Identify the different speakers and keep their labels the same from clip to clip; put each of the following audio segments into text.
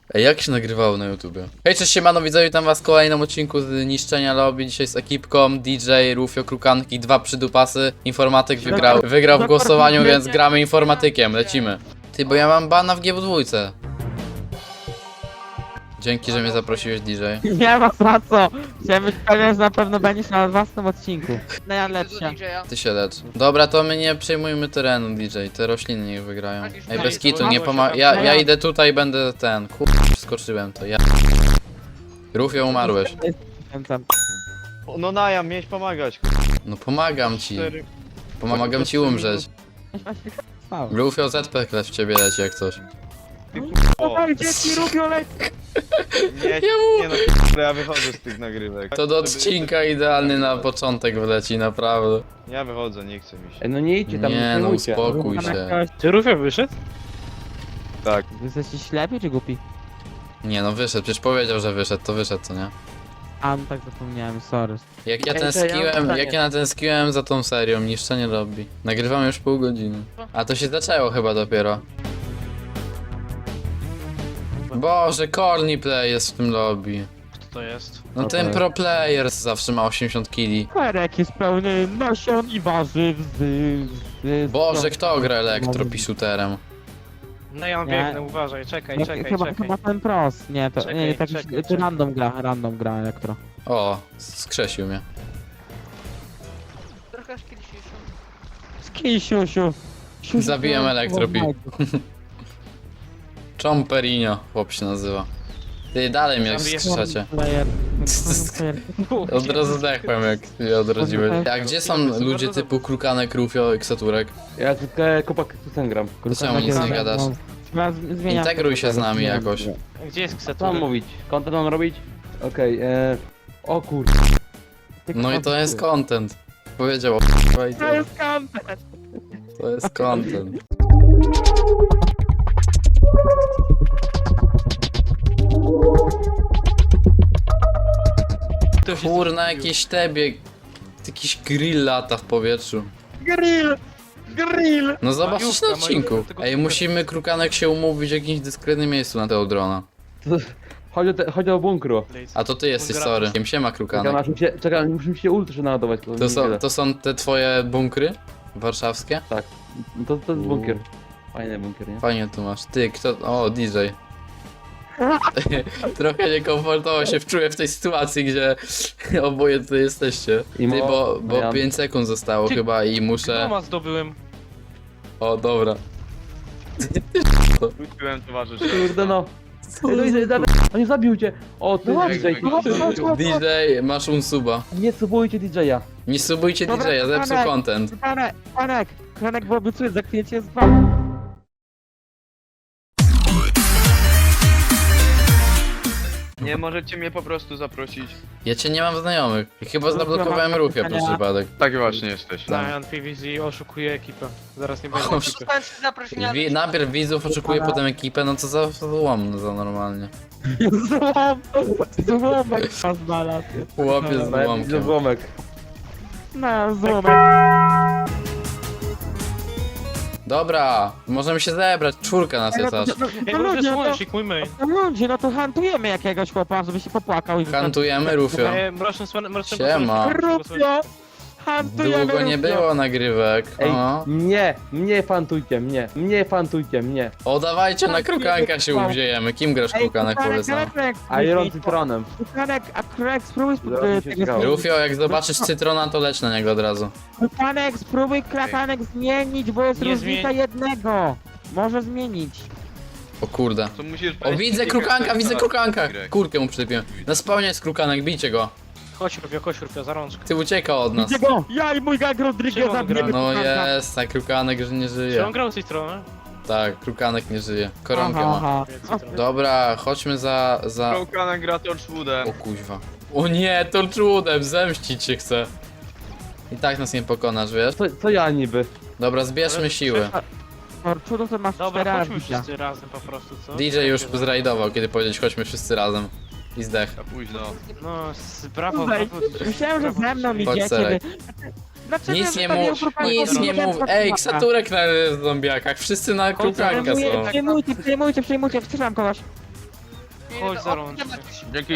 Speaker 1: Ej, jak się nagrywało na YouTubie? Hej, cześć, siemano widzowie, witam was w kolejnym odcinku z Niszczenia Lobby. Dzisiaj z ekipką DJ, Rufio, Krukanki, dwa przydupasy. Informatyk wygrał w głosowaniu, więc gramy informatykiem, lecimy. Ty, bo ja mam bana w GW2. Dzięki, że mnie zaprosiłeś, DJ.
Speaker 2: Nie ma za co. Chciałem być pewien, że na pewno będziesz na własnym odcinku. Najlepsze.
Speaker 1: Ty się lecz. Dobra, to my nie przejmujmy terenu, DJ, te rośliny niech wygrają. Ej, bez kitu, nie pomaga. Ja idę tutaj, będę ten. Skoczyłem to, ja. Rufio, umarłeś.
Speaker 3: No Najam, miałeś pomagać.
Speaker 1: No pomagam ci. Pomagam ci umrzeć. Rufio, ZP w ciebie leci jak coś.
Speaker 3: O,
Speaker 2: Oj, dzieci lubią lecieć.
Speaker 3: nie no, ja wychodzę z tych nagrywek.
Speaker 1: To do odcinka idealny na początek wleci, naprawdę.
Speaker 3: Ja wychodzę, nie chcę mi się.
Speaker 4: Ej, no nie idźcie tam,
Speaker 1: Nie no,
Speaker 4: filmujcie.
Speaker 1: uspokój się.
Speaker 5: Czy Rufio wyszedł?
Speaker 3: Tak.
Speaker 2: Wy jesteście ślepi czy głupi?
Speaker 1: Nie no, wyszedł, przecież powiedział, że wyszedł, to wyszedł, co nie?
Speaker 2: A, no tak zapomniałem, sorry.
Speaker 1: Jak ja
Speaker 5: Ej, to ja mam
Speaker 1: tęskniłem,
Speaker 5: pytanie.
Speaker 1: jak ja natęskniłem za tą serią, niszczenie lobby. Nagrywam już pół godziny. A to się zaczęło chyba dopiero. Boże, Corny Play jest w tym lobby.
Speaker 5: Kto to jest?
Speaker 1: No ten pro player zawsze ma 80 kili.
Speaker 2: Kwerek jest pełny nasion i warzyw
Speaker 1: Boże, kto gra elektropisuterem?
Speaker 5: No ja mam
Speaker 2: Nie.
Speaker 5: biegnę, uważaj, czekaj.
Speaker 2: Chyba ten pros. Nie, to
Speaker 5: Czekaj,
Speaker 2: nie, tak
Speaker 5: czekaj,
Speaker 2: to
Speaker 5: czekaj.
Speaker 2: random gra elektro.
Speaker 1: O, skrzesił mnie.
Speaker 2: Skisiusiu.
Speaker 1: Zabiłem elektropi. Chomperinho, chłop się nazywa. Ty dalej mnie skrzeszacie. Od razu zdechłem, jak mnie odrodziłeś. A gdzie są ludzie typu Krukanek, Rufio, Eksaturek?
Speaker 4: Ja tylko kopak tu ten gram.
Speaker 1: Czemu nic nie gadasz? Integruj się z nami jakoś.
Speaker 5: Gdzie jest
Speaker 4: Co
Speaker 5: ksetur?
Speaker 4: mam mówić? Content mam robić? Okej, o kur...
Speaker 1: No i to jest content. Powiedział.
Speaker 2: To jest content.
Speaker 1: To jest content. Kurna, jakieś tebie. Jakiś grill lata w powietrzu.
Speaker 2: Grill.
Speaker 1: No zobaczysz na
Speaker 5: Majówka,
Speaker 1: odcinku.
Speaker 5: majówka,
Speaker 1: Ej, musimy Krukanek się umówić w jakimś dyskretnym miejscu na tego drona.
Speaker 4: Chodzi o bunkru.
Speaker 1: A to ty jesteś, sorry. Siema Krukanek.
Speaker 4: Czekaj, muszę mi się ultra naładować.
Speaker 1: To są te twoje bunkry? Warszawskie?
Speaker 4: To jest bunkier. Fajny bunkier, nie?
Speaker 1: Fajnie tu masz. Ty, kto... O, DJ. Trochę niekomfortowo się wczułem w tej sytuacji, gdzie oboje tutaj jesteście.
Speaker 4: I
Speaker 1: Ty, bo
Speaker 4: ja-
Speaker 1: 5 sekund zostało
Speaker 5: Ty-
Speaker 1: chyba i muszę...
Speaker 5: Doma zdobyłem.
Speaker 1: O, dobra.
Speaker 3: Wróciłem towarzysz.
Speaker 4: Kurde no. On nie zabił cię. O, ty
Speaker 2: No
Speaker 4: DJ.
Speaker 1: DJ, masz unsuba.
Speaker 4: Nie subujcie DJ-a.
Speaker 1: Nie subujcie
Speaker 2: Dobra,
Speaker 1: DJ-a, zepsuł
Speaker 2: Krukanek.
Speaker 1: content.
Speaker 2: Kranek, bo obiecuję, za chwilę cię zbam.
Speaker 3: Nie możecie mnie po prostu zaprosić.
Speaker 1: Ja cię nie mam znajomych. Chyba zablokowałem Rufia przez przypadek.
Speaker 3: Tak właśnie jesteś.
Speaker 5: Zion PVZ oszukuje ekipę. Zaraz nie będzie ekipy.
Speaker 1: Najpierw widzów oczekuje, potem ekipę, no co za złom, no za normalnie.
Speaker 2: Złomek was znalazł.
Speaker 1: Chłopie z
Speaker 4: Ze
Speaker 1: złomkiem.
Speaker 4: złomek.
Speaker 2: No, złomek.
Speaker 1: Dobra, możemy się zebrać, czwórka nas jest aż.
Speaker 5: Ej,
Speaker 2: No
Speaker 5: może
Speaker 2: ludzie,
Speaker 5: słonecznik, mój main.
Speaker 2: ludzie, no to hantujemy jakiegoś chłopa, żeby się popłakał i
Speaker 1: Hantujemy Rufio.
Speaker 5: Mroczny
Speaker 1: Siema.
Speaker 2: Rufio! Hantujemy
Speaker 1: Długo nie
Speaker 2: Rufio.
Speaker 1: było nagrywek.
Speaker 4: Ej,
Speaker 1: O.
Speaker 4: mnie fantujcie, mnie fantujcie, mnie.
Speaker 1: O, dawajcie na Krukanka się uwziejemy. Kim grasz Krukanek, powiedz nam.
Speaker 4: Iron Citronem.
Speaker 2: Krukanek, a Krek, spróbuj
Speaker 4: Zaraz mi się
Speaker 2: tego
Speaker 4: zgało.
Speaker 1: Rufio, jak zobaczysz Cytrona, to leć na niego od razu.
Speaker 2: Krukanek, spróbuj Krakanek zmienić, bo jest
Speaker 5: Nie
Speaker 2: różnica jednego. Może zmienić.
Speaker 1: O kurde.
Speaker 3: To musisz
Speaker 1: O, widzę Krukanka, widzę Krukanka! Kurkę mu przylepiłem. Na spawnie jest Krukanek, bijcie go.
Speaker 5: Chodź Rufio, za rączkę.
Speaker 1: Ty ucieka od nas.
Speaker 2: Widzę go! Ja i mój gang Rodriguez
Speaker 5: Czemu on
Speaker 2: zabijemy
Speaker 1: No
Speaker 2: Krukanka.
Speaker 1: jest, tak Krukanek, że nie
Speaker 5: Czy
Speaker 1: żyje.
Speaker 5: on grał z tej strony?
Speaker 1: Tak, Krukanek nie żyje. Koronkę ma.
Speaker 2: Aha.
Speaker 1: Dobra, chodźmy za...
Speaker 3: Krukanek gra Torchwoodem.
Speaker 1: O kuźwa. O nie, to czudem, zemścić się chcę. I tak nas nie pokonasz, wiesz?
Speaker 4: Co ja niby?
Speaker 1: Dobra, zbierzmy siły.
Speaker 2: Torczudo to masz 4
Speaker 5: Dobra, chodźmy
Speaker 2: arbitra.
Speaker 5: wszyscy razem po prostu, co?
Speaker 1: DJ już zrajdował, kiedy powiedzieć chodźmy wszyscy razem. I zdech.
Speaker 3: A późno.
Speaker 5: No, brawo,
Speaker 2: Tutaj,
Speaker 5: brawo.
Speaker 2: myślałem, że ze mną
Speaker 1: Chodź,
Speaker 2: idziecie.
Speaker 1: Serek.
Speaker 2: Dlaczego
Speaker 1: Nic nie
Speaker 2: zostawiłem
Speaker 1: mów,
Speaker 2: Krukanka?
Speaker 1: nic nie mów. Ej, Ksaturek na zombiakach, wszyscy na Krukanka są.
Speaker 2: Przejmujcie, wstrzymam kogoś.
Speaker 5: chodź za rączkę.
Speaker 3: Dzięki.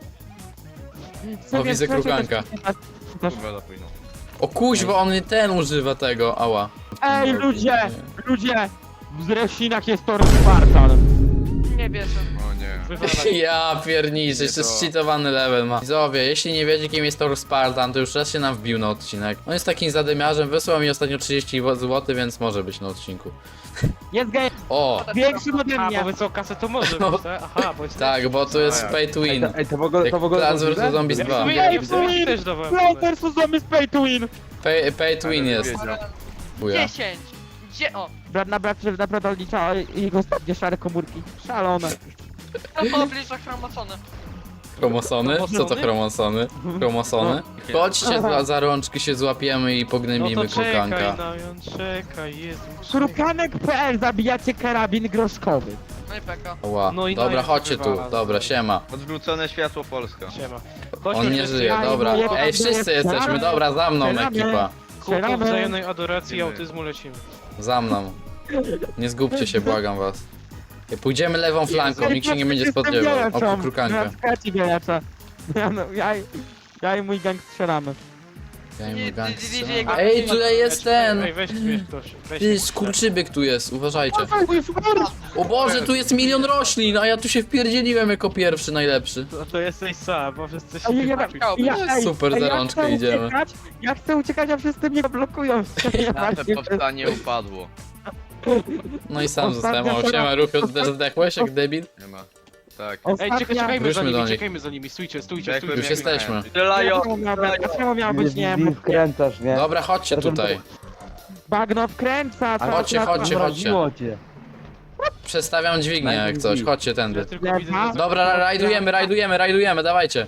Speaker 1: O, widzę krukanka.
Speaker 3: Kurwa, za późno.
Speaker 1: O kuźwa, on ten używa tego, ała.
Speaker 2: Ej, ludzie! W Zresinach jest Tor Spartan.
Speaker 6: Nie wierzę.
Speaker 3: O nie.
Speaker 5: Wywalaj.
Speaker 1: Ja pierniczę, jeszcze
Speaker 3: Nie to.
Speaker 1: zcheatowany level ma. Widzowie, jeśli nie wiecie kim jest Thor Spartan, to już raz się nam wbił na odcinek. On jest takim zadymiarzem, wysłał mi ostatnio 30 zł, więc może być na odcinku.
Speaker 2: Jest gej,
Speaker 1: O,
Speaker 2: większy ode
Speaker 5: A,
Speaker 2: mnie.
Speaker 5: bo wy co, kasę to może
Speaker 1: No.
Speaker 5: być, tak? Aha, bo jest...
Speaker 1: tak, bo to jest pay to win.
Speaker 4: Ej, to w ogóle
Speaker 1: Jak Plants vs Zombies 2.
Speaker 5: Ja też dawałem.
Speaker 2: Play vs Zombies Pay to Win.
Speaker 1: Pay to win jest. Buja.
Speaker 6: 10. Gdzie? O,
Speaker 2: Brat na brat naprawdę odlicza jego ostatnie szare komórki. Szalone.
Speaker 6: to oblicza chromosony.
Speaker 1: Chromosony? Co to chromosony? Chromosony? Chodźcie za rączki się złapiemy i
Speaker 5: No
Speaker 1: pognębimy
Speaker 5: to czekaj,
Speaker 1: krukanka.
Speaker 5: Najon, czekaj, Jezu. czekaj.
Speaker 2: Krukanek.pl zabijacie karabin groszkowy.
Speaker 6: No i peka.
Speaker 1: Ła.
Speaker 5: No i
Speaker 1: Dobra,
Speaker 5: daję,
Speaker 1: chodźcie tu.
Speaker 5: wywala.
Speaker 1: Dobra, siema.
Speaker 3: Odwrócone światło Polska.
Speaker 5: Siema.
Speaker 1: On nie żyje,
Speaker 2: Ja
Speaker 1: dobra.
Speaker 2: nie
Speaker 1: Ej, wszyscy jesteśmy, dobra, za mną ekipa.
Speaker 5: Kupą wzajemnej adoracji i autyzmu lecimy.
Speaker 1: Za mną. Nie zgubcie się, błagam was. Pójdziemy lewą flanką, nikt się nie będzie spodziewał. O, krukankę.
Speaker 2: Ja i mój gang strzelamy.
Speaker 1: Ja i mój gang strzela.
Speaker 6: Jego-
Speaker 1: Ej, tutaj jest ten!
Speaker 5: Ej, weź mnie ktoś. Weź
Speaker 1: Ty,
Speaker 5: mnie.
Speaker 1: skurczybyk tu jest, uważajcie. O Boże, tu jest milion roślin, a ja tu się wpierdzieliłem jako pierwszy, najlepszy.
Speaker 5: No to jesteś sam, bo wszyscy się
Speaker 2: Ej,
Speaker 1: Super, za rączkę
Speaker 2: chcę
Speaker 1: idziemy.
Speaker 2: uciekać, ja chcę uciekać, a wszyscy mnie blokują.
Speaker 3: Nasze powstanie upadło.
Speaker 1: No i sam
Speaker 2: Ostatnia
Speaker 1: zostałem. O,
Speaker 2: pora-
Speaker 1: siema, Rufio, ty też zdechłeś jak debil?
Speaker 3: Nie ma. Tak.
Speaker 5: Ej, czekajmy
Speaker 1: Wróćmy
Speaker 5: za
Speaker 1: do
Speaker 5: nimi,
Speaker 1: nich.
Speaker 5: czekajmy za nimi, stójcie, stójcie,
Speaker 3: Zdechłem
Speaker 1: Już
Speaker 5: stójcie.
Speaker 3: jak
Speaker 1: jesteśmy.
Speaker 3: miałem. Strzelają!
Speaker 2: Czemu miał być nie
Speaker 4: Nie wkręcasz, nie?
Speaker 1: Dobra, chodźcie tutaj.
Speaker 2: Bagno wkręca, co
Speaker 1: Chodźcie,
Speaker 2: na-
Speaker 1: chodźcie.
Speaker 4: Mroziło cię.
Speaker 1: Przestawiam dźwignię jak coś, chodźcie
Speaker 5: Ja
Speaker 1: tędy.
Speaker 5: tylko widzę, że...
Speaker 1: Dobra, rajdujemy, dawajcie.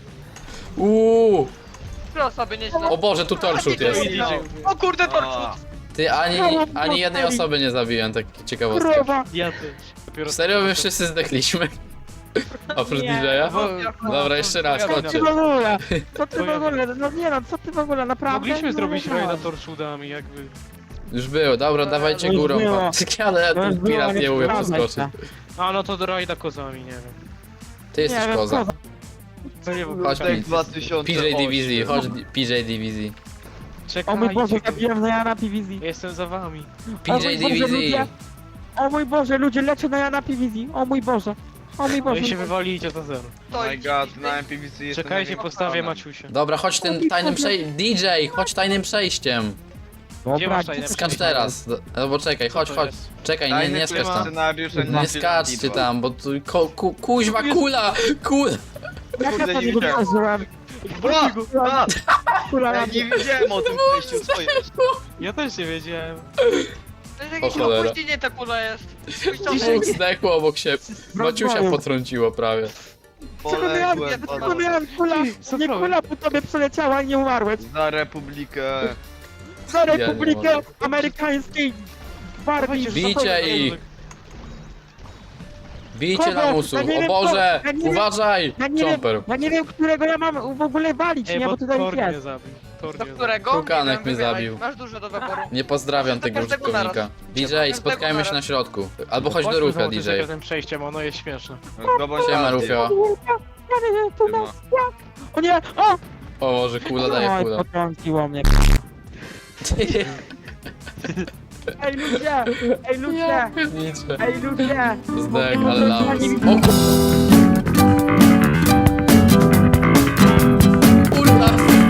Speaker 6: Tyle osoby nieźle.
Speaker 1: O Boże, tu torchut jest.
Speaker 6: O kurde,
Speaker 3: A,
Speaker 6: torczut.
Speaker 1: Ty, ani jednej osoby nie zabiłem, tak ciekawostka.
Speaker 2: Krowa.
Speaker 5: Ja też. Dopiero...
Speaker 1: Serio, my wszyscy zdechliśmy? Oprócz
Speaker 2: Nie.
Speaker 1: DJ-a?
Speaker 5: Bo-
Speaker 1: Dobra, jeszcze raz,
Speaker 2: Co
Speaker 1: chodźcie.
Speaker 2: ty w ogóle? Co ty w
Speaker 5: Twoja-
Speaker 2: ogóle? No nie no, co ty w ogóle, naprawdę?
Speaker 5: Mogliśmy
Speaker 2: No,
Speaker 5: zrobić
Speaker 2: no.
Speaker 5: rajda torczudami, jakby...
Speaker 1: Już było, dobra, dawajcie
Speaker 2: Już
Speaker 1: górą.
Speaker 2: było.
Speaker 1: Ale
Speaker 2: No już
Speaker 1: ten pirat
Speaker 2: było,
Speaker 1: nie umie
Speaker 2: sprawdzaj
Speaker 1: przeskoczyć.
Speaker 2: się.
Speaker 5: A no to do rajda kozami, nie wiem.
Speaker 1: Ty jesteś
Speaker 2: Nie wiem,
Speaker 1: koza.
Speaker 5: To nie
Speaker 1: Chodź,
Speaker 3: tak 2008.
Speaker 1: PJ Divizji, chodź PJ Divizji.
Speaker 2: O mój Boże,
Speaker 5: Czekajcie.
Speaker 2: zabiłem na Jana PVZ.
Speaker 5: Jestem za wami.
Speaker 2: O mój
Speaker 1: PJ
Speaker 2: Boże,
Speaker 1: Divizji.
Speaker 2: ludzie. O mój Boże, ludzie leczą na Jana PVZ. O mój Boże. O mój
Speaker 5: No
Speaker 2: Boże.
Speaker 5: i się wywalicie to zero.
Speaker 6: To
Speaker 3: My god, na MPVC jest
Speaker 5: Czekajcie, postawię Maciusia.
Speaker 1: Dobra, chodź tym tajnym przejściem. DJ, chodź tajnym przejściem.
Speaker 5: Gdzie masz tajne
Speaker 1: Skacz
Speaker 5: przejście?
Speaker 1: teraz. Albo czekaj, chodź,
Speaker 5: to
Speaker 1: chodź.
Speaker 5: jest?
Speaker 1: Czekaj, nie skacz tam.
Speaker 3: Scenariusze
Speaker 1: Nie skaczcie tam, bo tu kuźwa kula! Kula!
Speaker 2: Jak ja
Speaker 3: Kurde,
Speaker 2: to
Speaker 3: nie
Speaker 2: nie
Speaker 3: widziałem.
Speaker 2: wydarzyłem? Kula
Speaker 3: Ja nie wiedziałem o tym przejściu, co jest.
Speaker 5: Ja też nie wiedziałem.
Speaker 6: To jest jakieś
Speaker 1: O cholera.
Speaker 6: opóźnienie ta kula jest.
Speaker 1: Dwóch zdechło obok siebie. Maciusia potrąciło prawie.
Speaker 3: Poległem
Speaker 2: Tylko miałem kula,
Speaker 5: Co
Speaker 2: nie
Speaker 5: problem?
Speaker 2: kula po tobie przeleciała i nie umarłeś.
Speaker 3: za Republikę.
Speaker 2: Za
Speaker 1: nie
Speaker 2: Republikę
Speaker 1: mogę.
Speaker 2: Amerykańskiej Gwardii.
Speaker 1: Bijcie ich! Bijcie
Speaker 2: Kogo?
Speaker 1: lamusów!
Speaker 2: Ja nie
Speaker 1: O
Speaker 2: wiem,
Speaker 1: Boże!
Speaker 2: ja nie wiem.
Speaker 1: Uważaj! Jumper!
Speaker 2: Ja nie wiem, którego ja mam w ogóle walić,
Speaker 5: Ej,
Speaker 2: nie,
Speaker 5: bo
Speaker 2: bo tutaj
Speaker 5: Tor
Speaker 2: jest.
Speaker 5: mnie zabił. Tor
Speaker 6: Do
Speaker 5: mnie zabił.
Speaker 6: którego?
Speaker 1: Krukanek
Speaker 6: Nie wiem,
Speaker 1: mnie
Speaker 6: wybieraj.
Speaker 1: zabił.
Speaker 6: Masz dużo do wyboru.
Speaker 1: Nie pozdrawiam tego
Speaker 6: Każdego
Speaker 1: użytkownika. DJ,
Speaker 6: Każdego
Speaker 1: spotkajmy się
Speaker 6: naraz.
Speaker 1: na środku. Albo chodź do
Speaker 5: Chodźmy
Speaker 1: Rufia,
Speaker 5: zobaczyć,
Speaker 1: DJ.
Speaker 5: jak tym przejściem, ono jest śmieszne.
Speaker 1: Siema, Rufio.
Speaker 2: Ja nie wiem, tu nas jak? O nie, o!
Speaker 1: O Boże, kula daje
Speaker 2: Oj,
Speaker 1: kula.
Speaker 2: potrąciło mnie. Ej ludzie! Ej ludzie!
Speaker 1: Nicze.
Speaker 2: Ej ludzie!
Speaker 1: Zdech, ale lamus. O kurwa!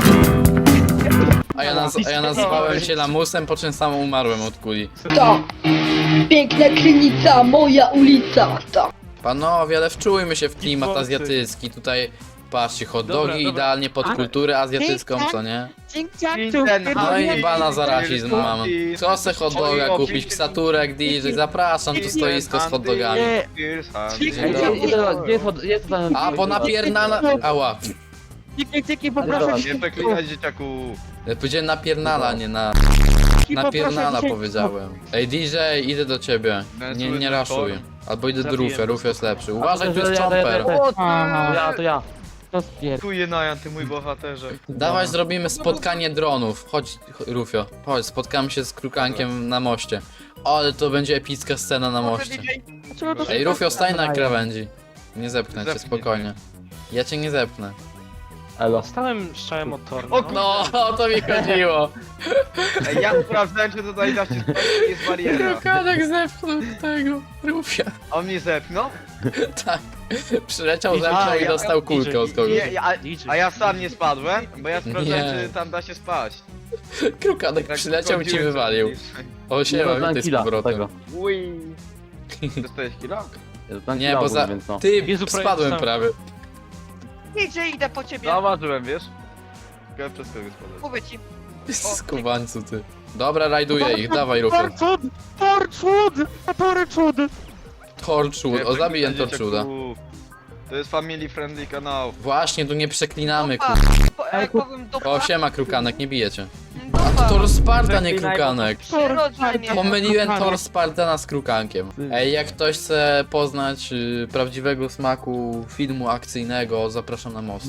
Speaker 1: A ja nazwałem się lamusem, po czym sam umarłem od kuli.
Speaker 7: Ta piękna krynica, moja ulica. Ta.
Speaker 1: Panowie, ale wczujmy się w klimat
Speaker 5: Kickboxy.
Speaker 1: azjatycki. Tutaj patrzcie, hot
Speaker 5: Dobra,
Speaker 1: dogi
Speaker 5: dobra.
Speaker 1: idealnie pod kulturę azjatycką, co nie? No i bana za rasizm mam. Co se hot doga kupić? Ksaturek, DJ, zapraszam, tu stoisko z hot dogami.
Speaker 4: Ej, gdzie jest ten...
Speaker 1: A, bo napiernala... Ała.
Speaker 2: Dzięki, poproszę
Speaker 3: Nie przeklinać dzieciaku.
Speaker 1: Ja powiedziałem napiernala, nie na... Napiernala powiedziałem. Ej, DJ, idę do ciebie. Nie raszuj. Albo idę do Rufia, Rufio jest lepszy. Uważaj, tu jest chomper.
Speaker 4: To ja.
Speaker 2: To spier...
Speaker 3: Dziękuję Najan, ty mój bohaterze.
Speaker 1: Dawaj, zrobimy spotkanie dronów. Chodź, Rufio, chodź, spotkamy się z Krukankiem na moście. Ale to będzie epicka scena na moście.
Speaker 2: Dlaczego to
Speaker 1: Ej, Rufio, stań na krawędzi. Nie zepchnę cię,
Speaker 3: Zepnij
Speaker 1: spokojnie. Ja cię nie zepnę.
Speaker 4: Elo.
Speaker 5: Stałem strzałem od Torna.
Speaker 3: O,
Speaker 1: No, o to mi chodziło.
Speaker 3: Ej, ja sprawdzałem, czy tutaj da się spać, czy jest bariera.
Speaker 1: Krukanek zepchnął tego Rufia.
Speaker 3: On mnie zepnął?
Speaker 1: Tak. Przyleciał,
Speaker 5: DJ,
Speaker 1: zepchnął i
Speaker 3: ja-
Speaker 1: dostał kulkę od kogoś.
Speaker 3: A ja sam nie spadłem, bo ja sprawdzałem,
Speaker 1: Nie.
Speaker 3: czy tam da się spać.
Speaker 1: Krukanek
Speaker 3: Tak
Speaker 1: przyleciał i ci
Speaker 3: wchodziłem
Speaker 1: wywalił.
Speaker 3: tam.
Speaker 1: O, siema,
Speaker 4: Dostałem
Speaker 1: witaj z
Speaker 4: killa
Speaker 1: powrotem.
Speaker 4: tego.
Speaker 3: Ui. Dostałeś kilo?
Speaker 4: Ja dostałem
Speaker 1: Nie,
Speaker 4: killa
Speaker 1: bo
Speaker 4: ogólnie,
Speaker 1: za...
Speaker 4: więc no.
Speaker 1: Ty,
Speaker 5: Jezu, prawie
Speaker 1: spadłem
Speaker 5: dostałem.
Speaker 1: prawie.
Speaker 6: Idzie, idę po ciebie.
Speaker 3: Zauważyłem, wiesz? Tylko przez kogo spadłem.
Speaker 6: Mówię ci.
Speaker 1: Skubańcu, ty. Dobra, rajduję ich, dawaj Rufio.
Speaker 2: Torchwood! Torchwood! Torchwood!
Speaker 1: Torchwood, o zabiję Torchwooda.
Speaker 3: To jest family friendly kanał.
Speaker 1: Właśnie, tu nie przeklinamy,
Speaker 6: Dupa.
Speaker 1: kur...
Speaker 6: Jak powiem dupa.
Speaker 1: O, siema Krukanek, nie bijecie.
Speaker 6: Dupa.
Speaker 1: Tor Sparta, nie Krukanek.
Speaker 6: Przyrodzenie.
Speaker 1: Pomyliłem Tor Spartana z Krukankiem. Ej, jak ktoś chce poznać prawdziwego smaku filmu akcyjnego, zapraszam na most.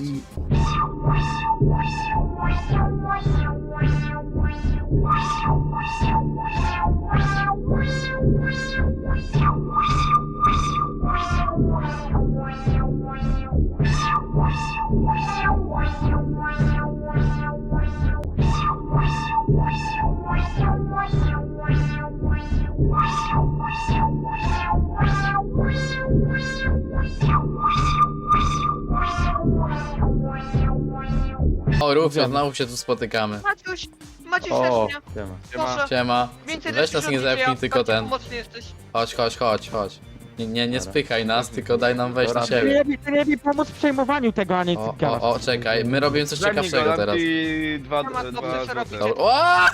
Speaker 1: O, Rufio, znowu się tu spotykamy.
Speaker 6: Maciuś, Maciuś
Speaker 4: O,
Speaker 6: też mnie.
Speaker 4: siema.
Speaker 6: Proszę.
Speaker 1: Siema.
Speaker 6: Więcej
Speaker 1: Weź nas nie zepchnij, tylko ten.
Speaker 6: Mocny jesteś.
Speaker 1: Chodź. Nie spychaj nas, tylko daj nam wejść na
Speaker 4: Dobra.
Speaker 1: siebie.
Speaker 2: Ty lepiej pomóc w przejmowaniu tego, a nie
Speaker 1: O,
Speaker 2: gadasz.
Speaker 1: o, czekaj, my robimy coś ciekawszego teraz.
Speaker 3: I dwa
Speaker 6: Nie ma co
Speaker 3: złote.
Speaker 6: przerobić.
Speaker 1: Dobra. O!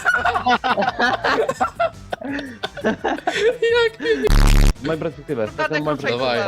Speaker 4: Z mojej perspektywy, z
Speaker 6: Krukanek,
Speaker 4: mojej
Speaker 6: ruszaj,
Speaker 1: Dawaj.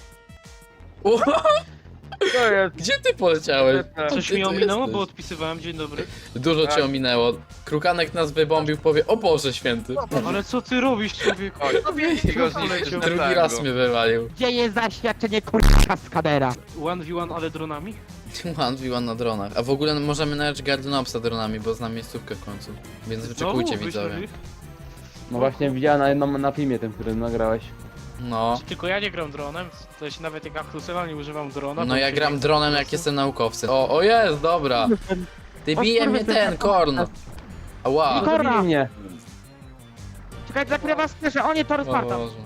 Speaker 6: kurwa.
Speaker 1: O!
Speaker 3: To jest.
Speaker 1: Gdzie ty poleciałeś?
Speaker 5: Coś
Speaker 1: Ty
Speaker 5: mi
Speaker 1: tu
Speaker 5: ominęło,
Speaker 1: jesteś.
Speaker 5: bo odpisywałem, dzień dobry.
Speaker 1: Dużo cię
Speaker 3: Tak.
Speaker 1: ominęło. Krukanek nas wybombił, powie, o Boże święty.
Speaker 5: Ale co ty robisz, człowieku?
Speaker 3: Go zniszczyć na
Speaker 1: Drugi
Speaker 3: tango.
Speaker 1: raz mnie wywalił.
Speaker 2: Gdzie jest zaświadczenie kurwa skadera?
Speaker 5: 1v1, ale dronami?
Speaker 1: 1v1 na dronach. A w ogóle możemy najechać Gardynopsa dronami, bo znam miejscówkę w końcu. Więc wyczekujcie,
Speaker 5: Znowu?
Speaker 1: widzowie.
Speaker 5: Wyślij ich?
Speaker 4: No właśnie widziałem na filmie tym, którym nagrałeś.
Speaker 1: No.
Speaker 5: Tylko ja nie gram dronem, to się nawet jak aktualnie używam drona.
Speaker 1: No
Speaker 5: bo
Speaker 1: ja
Speaker 5: się
Speaker 1: gram
Speaker 5: nie-
Speaker 1: dronem jak jestem naukowcem. O jest, dobra. Ty bije mnie ten, Korn. Ała.
Speaker 2: No to- Korna.
Speaker 4: Zabili mnie.
Speaker 2: Czekaj, zakrywa skrzydła, o nie, Tor
Speaker 1: O
Speaker 2: Spartan.
Speaker 1: Boże.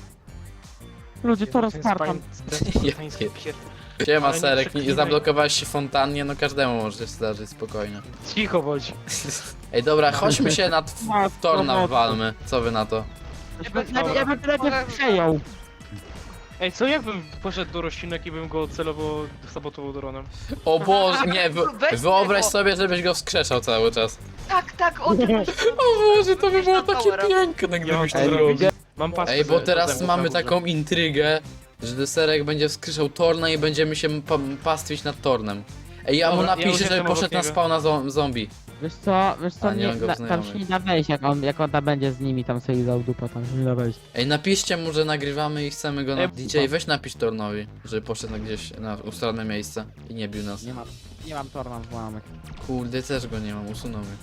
Speaker 2: Ludzie, Tor
Speaker 5: Ten
Speaker 2: Spartan.
Speaker 5: spartański pier-
Speaker 1: Siema
Speaker 5: Ale nie
Speaker 1: Serek, nie
Speaker 5: przeklinaj.
Speaker 1: zablokowałeś się w fontannie, no każdemu może się zdarzyć, spokojnie.
Speaker 5: Cicho bądź.
Speaker 1: Ej dobra, chodźmy się na Torna walmy. Co wy na to?
Speaker 2: Ja bym lepiej przejął.
Speaker 5: Ej, co jakbym poszedł do roślinek i bym go celowo sabotował dronem?
Speaker 1: O Boże, nie,
Speaker 6: Weź
Speaker 1: wyobraź
Speaker 6: tego.
Speaker 1: sobie, żebyś go wskrzeszał cały czas.
Speaker 6: Tak, o tym
Speaker 1: O Boże, to by było takie
Speaker 6: Powera.
Speaker 1: piękne, gdybyś to
Speaker 5: Ej,
Speaker 1: zrobił.
Speaker 5: Mam paskę
Speaker 1: Ej, bo
Speaker 5: ze-
Speaker 1: teraz
Speaker 5: ze-
Speaker 1: mamy
Speaker 5: ze-
Speaker 1: taką intrygę, że Serek będzie wskrzeszał Torna i będziemy się pastwić nad Tornem. Ej, ja mu
Speaker 5: Dobra, ja
Speaker 1: napiszę,
Speaker 5: już
Speaker 1: żeby
Speaker 5: jestem
Speaker 1: poszedł
Speaker 5: obok
Speaker 1: na
Speaker 5: niego.
Speaker 1: spawna zombie.
Speaker 2: Wiesz co,
Speaker 1: A, nie mam go
Speaker 2: tam się
Speaker 1: znajomych.
Speaker 2: nie da wejść, jak on tam będzie z nimi, tam sobie dał dupa, tam się nie da wejść.
Speaker 1: Ej, napiszcie mu, że nagrywamy i chcemy go na...
Speaker 5: Ej,
Speaker 1: DJ, weź napisz Tornowi, żeby poszedł gdzieś na ustronne miejsce i nie bił nas.
Speaker 2: Nie mam Torna w łamek.
Speaker 1: Kurde, też go nie mam, usunął mnie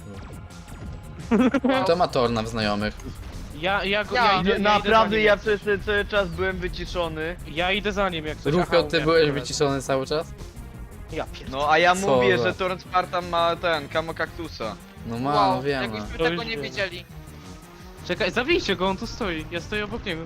Speaker 1: chyba. Kto ma Torna w znajomych?
Speaker 5: Ja
Speaker 6: Ja.
Speaker 5: idę
Speaker 3: Naprawdę
Speaker 5: za nim,
Speaker 3: ja
Speaker 5: jak
Speaker 3: przez ten cały czas byłem wyciszony.
Speaker 5: coś. Ja idę za nim jak coś.
Speaker 1: Rufio,
Speaker 5: Aha,
Speaker 1: ty
Speaker 5: wiem,
Speaker 1: byłeś
Speaker 5: dobra.
Speaker 1: wyciszony cały czas?
Speaker 5: Ja pierdolę.
Speaker 3: No a ja
Speaker 1: Co
Speaker 3: mówię,
Speaker 1: za-
Speaker 3: że Torrent Spartan ma ten, kamo kaktusa.
Speaker 1: No ma,
Speaker 6: Wow,
Speaker 1: no wiem.
Speaker 6: jakbyśmy
Speaker 5: To
Speaker 6: tego
Speaker 5: już
Speaker 6: nie
Speaker 5: wiem.
Speaker 6: wiedzieli.
Speaker 5: Czekaj, zabijcie go, on tu stoi. Ja stoję obok niego.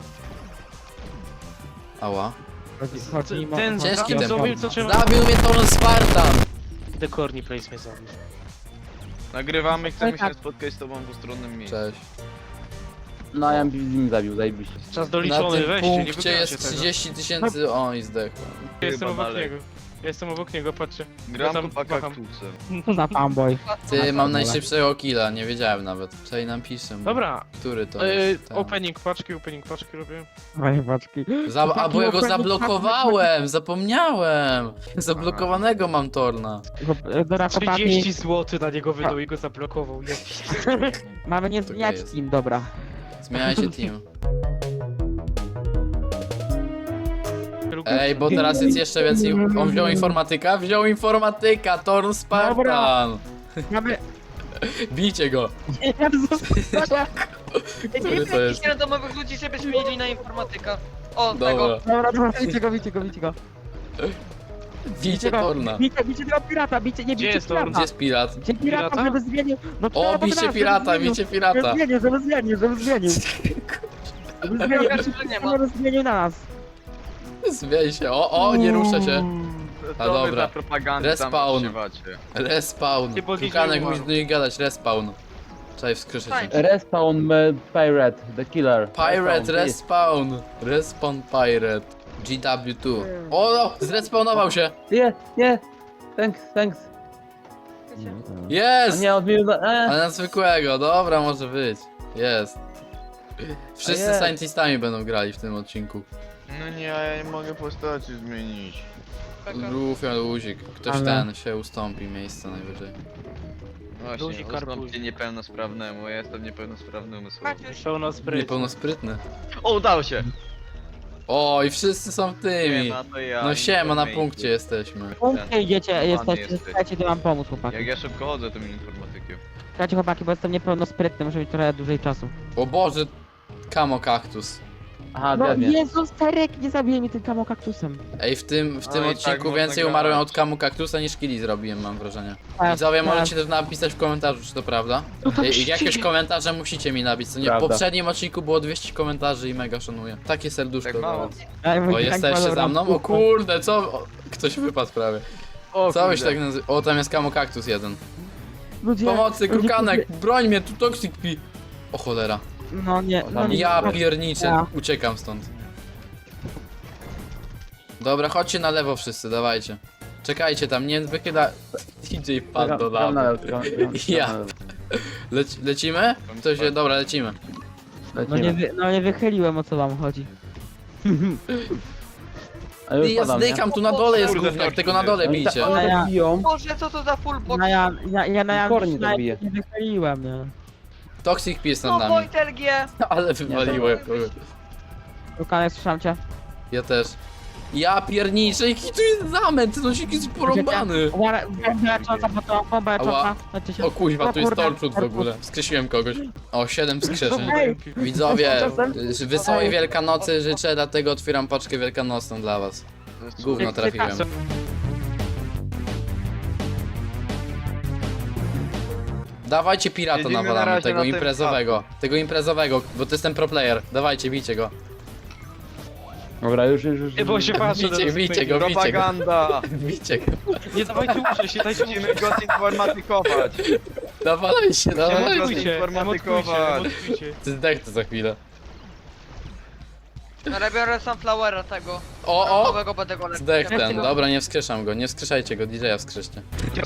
Speaker 1: Ała.
Speaker 2: Chodzi mi o-
Speaker 5: Ten
Speaker 1: Ciężki
Speaker 5: ten
Speaker 1: ten
Speaker 5: zombie, co trzeba...
Speaker 1: Zabił mnie Torn Spartan!
Speaker 5: The Corny Place mnie zabił.
Speaker 3: Nagrywamy, chcemy się spotkać z tobą w ustronnym miejscu.
Speaker 1: Cześć.
Speaker 4: No ja mi zabił, zajebiście.
Speaker 5: Czas
Speaker 1: Na
Speaker 5: doliczony,
Speaker 1: tym
Speaker 5: weźcie, nie
Speaker 1: punkcie
Speaker 5: wygracie
Speaker 1: jest
Speaker 5: tego.
Speaker 1: 30 000... O, i zdechłem.
Speaker 5: Ja jestem
Speaker 3: Chyba
Speaker 5: obok
Speaker 3: dalej.
Speaker 5: niego. Ja jestem obok niego, patrzcie.
Speaker 3: Gram
Speaker 5: tam
Speaker 3: po
Speaker 5: macham.
Speaker 3: kaktusem.
Speaker 2: Co za fanboy.
Speaker 1: Ty, mam najszybszego killa, nie wiedziałem nawet. Czekaj, napiszę mu.
Speaker 5: Dobra,
Speaker 1: Który to jest? Ten.
Speaker 5: opening paczki robię.
Speaker 2: Moje paczki.
Speaker 1: A bo ja go zablokowałem! Zapomniałem! Zablokowanego mam Torna.
Speaker 2: Dobra, chłopaki,
Speaker 5: 30 zł na niego wydał i go zablokował. Ja
Speaker 2: mamy nie
Speaker 1: To
Speaker 2: zmieniać
Speaker 1: jest.
Speaker 2: team, dobra.
Speaker 1: Zmieniajcie team.
Speaker 5: pierdolę.
Speaker 1: Ej, bo teraz jest jeszcze więcej... On wziął informatyka? Wziął informatyka! Torn Spartan!
Speaker 2: Mamy...
Speaker 1: Bijcie go!
Speaker 2: Jezus,
Speaker 6: Nie
Speaker 1: to jest?
Speaker 6: jakichś randomowych ludzi, żeby zmienili na informatyka. O, tego.
Speaker 1: Dobra.
Speaker 2: Dobra, bicie go.
Speaker 1: Bijcie Torna.
Speaker 2: Bicie tego pirata, bicie, nie
Speaker 5: Gdzie
Speaker 2: bicie
Speaker 5: jest Torn?
Speaker 1: Gdzie
Speaker 2: pirata.
Speaker 1: jest pirat?
Speaker 2: Bicie pirata,
Speaker 5: Pirata?
Speaker 2: żeby zmienił. No
Speaker 1: O,
Speaker 2: to
Speaker 1: bicie
Speaker 2: teraz,
Speaker 1: pirata,
Speaker 2: żeby
Speaker 1: bicie
Speaker 2: zmienił.
Speaker 1: pirata.
Speaker 2: Żeby zmienił.
Speaker 6: Pokażę, że nie ma.
Speaker 2: Żeby zmienił na nas.
Speaker 1: Zmień się. O, nie ruszę się. A
Speaker 3: To wy
Speaker 1: dobra.
Speaker 3: za propagandę
Speaker 1: Respawn.
Speaker 3: tam używacie.
Speaker 1: Respawn.
Speaker 5: Nie podnieś
Speaker 1: Krukanek
Speaker 5: nie
Speaker 1: musi
Speaker 5: umarł.
Speaker 1: do nich gadać, respawn. Czekaj, wskrzeszę cię.
Speaker 6: Tańcz.
Speaker 4: Respawn Pirate, the killer.
Speaker 1: Pirate, respawn. Respawn pirate. GW2. O, no, zrespawnował się.
Speaker 4: Nie, thanks. A
Speaker 1: Jest!
Speaker 4: nie, odmienił
Speaker 1: Ale na zwykłego, dobra, może być. Jest. Wszyscy
Speaker 4: jest.
Speaker 1: scientistami będą grali w tym odcinku.
Speaker 3: No nie, ja nie mogę postaci zmienić.
Speaker 1: Rufio, luzik. Ktoś
Speaker 2: Ale-
Speaker 1: ten się ustąpi miejsce najwyżej.
Speaker 3: Właśnie,
Speaker 5: Ludzi karpuj.
Speaker 3: ustąpcie niepełnosprawnemu, ja jestem niepełnosprawny umysłowo.
Speaker 6: Maciuś,
Speaker 5: Pełno spryt.
Speaker 1: Niepełnosprytny.
Speaker 3: O, udało się!
Speaker 1: O, i wszyscy są tymi.
Speaker 3: Siema, to ja.
Speaker 1: No siema, na
Speaker 3: informatyk.
Speaker 1: punkcie jesteśmy.
Speaker 2: Punkcie idziecie, jesteście,
Speaker 3: jesteś.
Speaker 2: słuchajcie, to wam pomóc, chłopaki.
Speaker 3: Jak ja szybko chodzę tym informatykiem.
Speaker 2: Słuchajcie, chłopaki, bo jestem niepełnosprytny, muszę mieć trochę dłużej czasu.
Speaker 1: O Boże, kamo kaktus.
Speaker 4: Aha,
Speaker 2: No
Speaker 4: pewnie.
Speaker 2: Jezus, Terek, nie zabije mi tym kamokaktusem.
Speaker 1: Ej, w tym
Speaker 3: No i tak
Speaker 1: odcinku
Speaker 3: można
Speaker 1: więcej
Speaker 3: grać.
Speaker 1: umarłem od kamu kaktusa niż killi zrobiłem, mam wrażenie.
Speaker 2: Tak,
Speaker 1: Widzowie,
Speaker 2: tak.
Speaker 1: możecie też napisać w komentarzu, czy to prawda. I jakieś komentarze musicie mi napisać, co nie? W
Speaker 4: Prawda.
Speaker 1: poprzednim odcinku było 200 komentarzy i mega szanuję. Takie serduszko.
Speaker 3: Tak mało.
Speaker 1: dałem. O, jesteście za mną? O kurde, co? O, ktoś wypadł prawie.
Speaker 3: O,
Speaker 1: Co byś
Speaker 3: kurde.
Speaker 1: tak nazywał? O, tam jest kamo kaktus jeden.
Speaker 2: Ludzie,
Speaker 1: Pomocy,
Speaker 2: ludzie-
Speaker 1: krukanek, broń mnie, tu toxic pi. O cholera.
Speaker 2: No nie, no nie.
Speaker 1: Ja pierniczę,
Speaker 2: Ja.
Speaker 1: uciekam stąd. Dobra, chodźcie na lewo wszyscy, dawajcie. Czekajcie tam, nie wychyla... DJ padł do lawy. Ja. Lecimy? Ktoś się... Dobra, lecimy.
Speaker 2: No nie wychyliłem, o co wam chodzi.
Speaker 4: A już
Speaker 1: Ja
Speaker 4: padam, nie?
Speaker 1: zdykam, tu na dole jest
Speaker 3: Kurde,
Speaker 1: gówniak,
Speaker 3: tak,
Speaker 1: tego na dole
Speaker 4: Oni
Speaker 1: bijcie.
Speaker 4: one
Speaker 2: Ja-
Speaker 4: tak biją.
Speaker 6: Boże, co to za full box?
Speaker 2: No ja na
Speaker 4: Kornie
Speaker 2: na-
Speaker 4: zabije.
Speaker 2: nie wychyliłem, nie.
Speaker 1: Toxic pi jest
Speaker 6: No
Speaker 1: nad nami.
Speaker 6: Wojtel G.
Speaker 1: Ale wywaliłem kogoś.
Speaker 2: Krukanek, słyszałem cię.
Speaker 1: Ja też. Ja pierniczę, jaki tu jest zamęt, no się jakiś porąbany.
Speaker 2: Bomba lecząca, bo to bomba
Speaker 1: Ała.
Speaker 2: lecząca. Leczy się.
Speaker 1: O kuźwa, tu jest
Speaker 2: kurde,
Speaker 1: torczut w ogóle. Wskrzesiłem kogoś. O, 7 wskrzeszeń.
Speaker 2: Ej,
Speaker 1: Widzowie,
Speaker 2: Czasem-
Speaker 1: wesołej Wielkanocy życzę, dlatego otwieram paczkę wielkanocną dla was.
Speaker 3: To jest
Speaker 1: Gówno trafiłem. Dawajcie pirata
Speaker 3: Siedzimy na
Speaker 1: nawalamy,
Speaker 3: razie
Speaker 1: tego
Speaker 3: na tym
Speaker 1: imprezowego. Tego imprezowego, bo to jest ten pro player. Dawajcie, bijcie go.
Speaker 4: Dobra, już.
Speaker 5: Nie, bo się patrzę.
Speaker 1: Bijcie go, bijcie go.
Speaker 3: Propaganda!
Speaker 1: Bijcie go.
Speaker 5: Nie dawajcie uciec, nie dajcie
Speaker 3: Musimy go zinformatykować.
Speaker 1: Dawajcie, dawajcie.
Speaker 5: Emotujcie,
Speaker 3: informatykować.
Speaker 5: emotujcie.
Speaker 1: Ty zdechnę za chwilę.
Speaker 6: Ale biorę sunflowera tego.
Speaker 1: O, o!
Speaker 6: Nowego będę go lepiej.
Speaker 1: Zdech ten, dobra, nie wskrzeszam go, nie wskrzeszajcie go, DJ-a wskrzeszcie.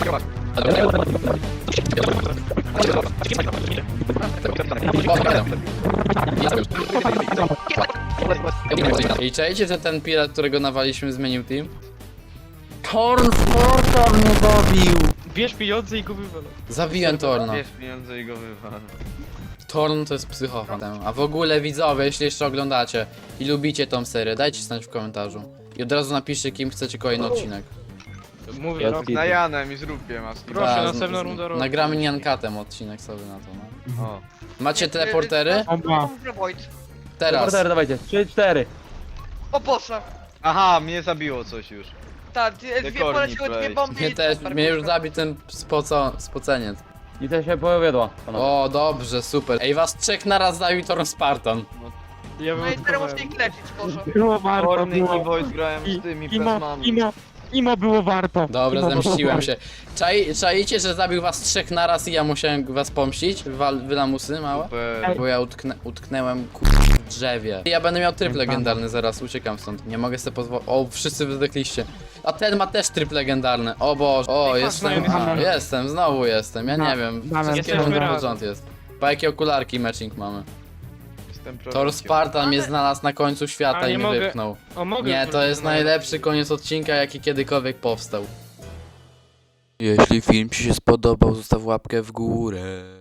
Speaker 1: I czajcie, że ten pirat, którego nawaliśmy, zmienił team? Torn Sporter mnie zabił!
Speaker 5: Bierz pieniądze i go wywalę.
Speaker 1: Zabiłem Torna.
Speaker 3: Bierz pieniądze i go wywal.
Speaker 1: Torn to jest psychofan. A w ogóle widzowie, jeśli jeszcze oglądacie i lubicie tą serię, dajcie znać w komentarzu. I od razu napiszcie, kim chcecie kolejny odcinek.
Speaker 5: Mówię,
Speaker 4: Jest
Speaker 5: no.
Speaker 4: git.
Speaker 3: Na Janem i zróbcie maski.
Speaker 5: Proszę,
Speaker 1: Tak,
Speaker 5: następna runda robi.
Speaker 1: Nagramy Niankatem odcinek sobie na to, no.
Speaker 3: O.
Speaker 1: Macie teleportery?
Speaker 2: Bomba.
Speaker 6: Wojt.
Speaker 1: Teraz.
Speaker 4: Reporter, dawajcie. 3, 4.
Speaker 6: O Boże.
Speaker 3: Aha, mnie zabiło coś już.
Speaker 6: Tak, dwie
Speaker 3: Korni
Speaker 6: poleciły dwie
Speaker 3: play.
Speaker 6: bomby
Speaker 1: Mnie
Speaker 6: i
Speaker 1: też,
Speaker 6: super,
Speaker 1: mnie już
Speaker 6: kurwa.
Speaker 1: zabił ten spoceniec.
Speaker 4: I to się powiodła. panowie.
Speaker 1: O, dobrze, super. Ej, was trzech naraz zabił Torn Spartan.
Speaker 5: Ja
Speaker 6: No i teraz muszę ich leczyć, Boże.
Speaker 2: Było warto,
Speaker 3: Korny i
Speaker 2: było.
Speaker 3: Wojt grałem z tymi
Speaker 2: Imo,
Speaker 3: plazmami.
Speaker 2: imo było warto.
Speaker 1: Dobra,
Speaker 2: Imo było
Speaker 1: zemściłem
Speaker 2: warto.
Speaker 1: się. Czaicie, że zabił was trzech naraz i ja musiałem was pomścić? Wylamusy małe?
Speaker 3: Super.
Speaker 1: Bo ja utknęłem w drzewie. Ja będę miał tryb legendarny zaraz, uciekam stąd. Nie mogę sobie pozwolić. O, wszyscy wydechliście. A ten ma też tryb legendarny. O Boże. O, jestem. Jestem, znowu jestem. Ja nie wiem.
Speaker 2: mamy.
Speaker 1: Wszystkie
Speaker 5: Jesteśmy
Speaker 1: rundy
Speaker 5: razem.
Speaker 1: pod rząd jest. Pa jakie okularki matching mamy.
Speaker 3: Jestem
Speaker 1: Thor
Speaker 3: prorokiem.
Speaker 1: Spartan mnie znalazł na końcu świata
Speaker 5: A,
Speaker 1: i
Speaker 5: nie
Speaker 1: mnie
Speaker 5: mogę.
Speaker 1: wypchnął.
Speaker 5: O, mogę.
Speaker 1: Nie, to jest najlepszy koniec odcinka, jaki kiedykolwiek powstał. Jeśli film Ci się spodobał, zostaw łapkę w górę.